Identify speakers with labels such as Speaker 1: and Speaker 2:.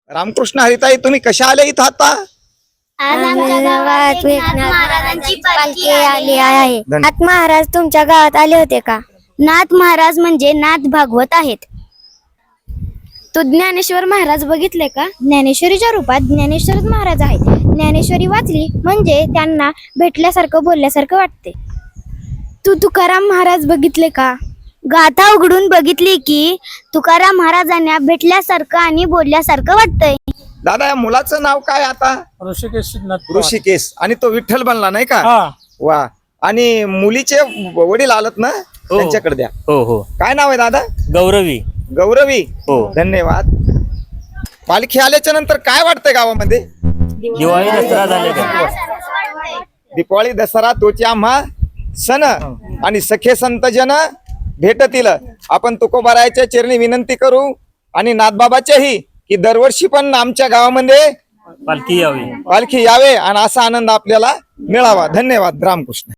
Speaker 1: रामकृष्ण हरिताई, तुम्ही कशा आले इथं आता?
Speaker 2: आज आमच्या गावात एकनाथ महाराजांची पालखी आली आहे.
Speaker 1: धन्यवाद.
Speaker 2: नाथ महाराज तुमच्या गावात आले होते का? नाथ महाराज म्हणजे नाथ भागवत आहेत. तू ज्ञानेश्वर महाराज बघितले का? ज्ञानेश्वरीच्या रूपात ज्ञानेश्वरच महाराज आहेत. ज्ञानेश्वरी वाचली म्हणजे त्यांना भेटल्यासारखं बोलल्यासारखं वाटते. तू तुकाराम महाराज बघितले का? गाथा उघडून बघितली की तुकाराम महाराजांना भेटल्यासारखं आणि बोलल्यासारखं वाटतंय.
Speaker 1: दादा, या मुलाचं नाव काय आता?
Speaker 3: ऋषिकेश
Speaker 1: ऋषिकेश. आणि तो विठ्ठल बनला नाही का?
Speaker 3: हा.
Speaker 1: वा. आणि मुलीचे वडील आलत ना, त्यांच्याकडे द्या.
Speaker 4: हो हो.
Speaker 1: काय नाव आहे दादा?
Speaker 4: गौरवी.
Speaker 1: गौरवी.
Speaker 4: हो.
Speaker 1: धन्यवाद. पालखी आल्याच्या नंतर काय वाटतंय गावामध्ये?
Speaker 4: दिवाळी दसरा झाले का?
Speaker 1: दिवाळी दसरा तोची आम्हा सण आणि सखे संत जन भेटतील. आपण तुकोबारायाच्या चरणी विनंती करू आणि नाथबाबाच्याही की दरवर्षी पण आमच्या गावामध्ये
Speaker 4: पालखी यावी.
Speaker 1: पालखी यावे आणि असा आनंद आपल्याला मिळावा. धन्यवाद. रामकृष्ण.